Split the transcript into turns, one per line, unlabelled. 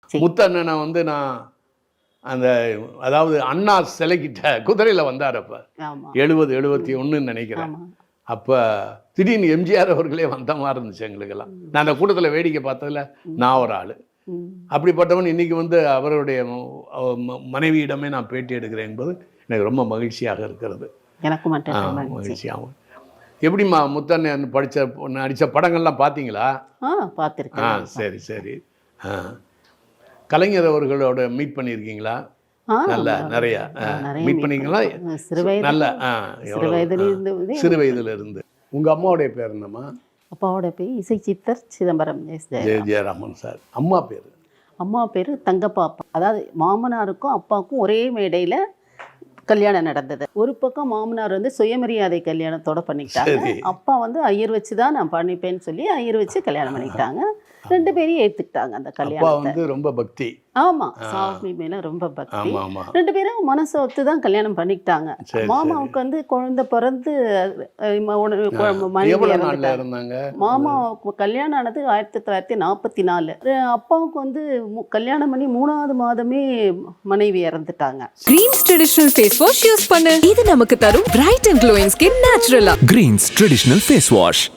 முத்தண்ணனை வந்து நான் அந்த அதாவது அண்ணா சிலைக்கிட்ட குதிரையில் வந்தார் அப்போ 70-71 நினைக்கிறேன். அப்போ திடீர்னு எம்ஜிஆர் அவர்களே வந்த மாதிரி இருந்துச்சு எங்களுக்கெல்லாம். நான் அந்த கூட்டத்தில் வேடிக்கை பார்த்ததில் நான் ஒரு ஆள். அப்படிப்பட்டவன் இன்றைக்கி வந்து அவருடைய மனைவியிடமே நான் பேட்டி எடுக்கிறேன் என்பது எனக்கு ரொம்ப மகிழ்ச்சியாக இருக்கிறது.
எனக்கு
மகிழ்ச்சியாகும். எப்படிம்மா முத்தண்ணன் நடித்த படங்கள்லாம் பார்த்தீங்களா?
பார்த்துருக்கேன்.
சரி சரி. கலைஞர் அவர்களோட மீட் பண்ணியிருக்கீங்களா? நல்ல நிறைய மீட் பண்ணிங்களா? நல்ல சிறு வயதுல இருந்து. உங்கள் அம்மாவுடைய பேர் என்னம்மா?
அப்பாவோட பேர் இசை சித்தர் சிதம்பரம்
ஜெயராமன் சார். அம்மா பேர்?
அம்மா பேர் தங்கப்பாப்பா. அதாவது மாமனாருக்கும் அப்பாவுக்கும் ஒரே மேடையில் கல்யாணம் நடந்தது. ஒரு பக்கம் மாமனார் வந்து சுயமரியாதை கல்யாணத்தோட பண்ணிக்கிட்டாங்க. அப்பா வந்து ஐயர் வச்சு தான் நான் பண்ணிப்பேன்னு சொல்லி ஐயர் வச்சு கல்யாணம் பண்ணிக்கிட்டாங்க. 2 பேரையும் ஏற்றுக்கிட்டாங்க அந்த கல்யாணத்தை.
வந்து ரொம்ப பக்தி.
ஆமாம், சாமி மேலே ரொம்ப பக்தி. 2 பேரும் மனசை ஒத்து தான் கல்யாணம் பண்ணிக்கிட்டாங்க. மாமாவுக்கு வந்து குழந்தை பிறந்து மாமா கல்யாணம் ஆனது 1944. அப்பாவுக்கு வந்து கல்யாணம் பண்ணி 3வது மாதமே மனைவி இறந்துட்டாங்க.
Greens traditional face wash use பண்ணு. இது நமக்கு தரும் பிரைட் அண்ட் க்ளோயிங் ஸ்கின் நேச்சுரலா.
Greens traditional face wash.